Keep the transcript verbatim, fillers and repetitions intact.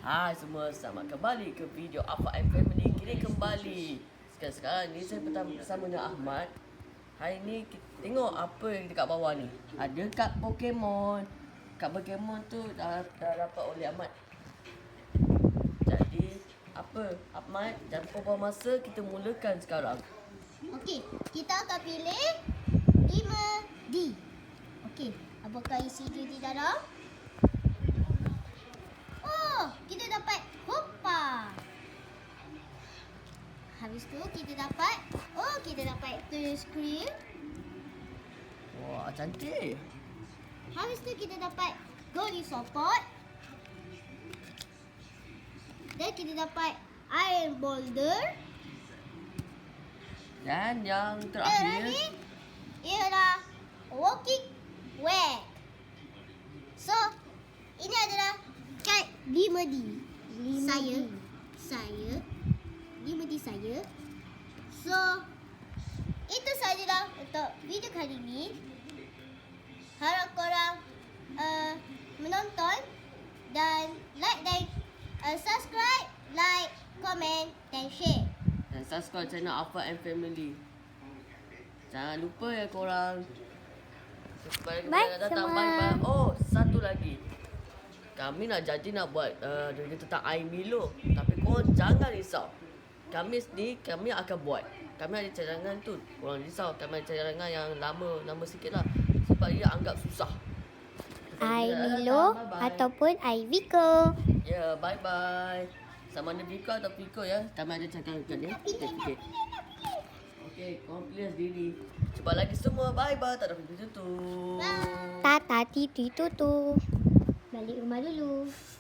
Hai semua, selamat kembali ke video Afak and Family. Kini kembali. Sekarang-sekarang ni saya pertama bersama dengan Ahmad. Hari ni kita tengok apa yang dekat bawah ni. Ada kad Pokemon. Kad Pokemon tu dah, dah dapat oleh Ahmad. Jadi apa Ahmad, jangan buang masa, kita mulakan sekarang. Okey, kita akan pilih lima D. Okey, apakah isi dia di dalam? Oh, kita dapat Hoppa. Habis tu kita dapat, oh kita dapat touch screen. Wah, cantik. Habis tu kita dapat Goldie Support. Dan kita dapat Iron Boulder. Dan yang Dan terakhir, lagi ialah Walking Wag. So, ini adalah kad lima D. Saya, D. saya, lima D saya. So, itu sajalah untuk video kali ini. Harap korang uh, menonton dan like dan uh, subscribe, like, komen dan share. dan subscribe channel Afak and Family. Jangan lupa ya korang. Supaya kita Bye datang. semua. Bye bye. Oh, satu lagi. Kami nak janji nak buat uh, video tentang air Milo. Tapi korang jangan risau. Kami sendiri, kami akan buat. Kami ada cadangan tu. Korang risau, kami ada cadangan yang lama, lama sikit lah. Sebab dia anggap susah. Air Kita Milo datang. Bye bye. ataupun air Vico. Ya, yeah, bye bye. Sama ada Viko atau Viko ya. Kami ada cadangan ya. Kita fikir. Okey, korang pilih sendiri. Cuba lagi semua. Bye bye. Tak ada pintu tutup. Tata titi tutu. Balik rumah dulu.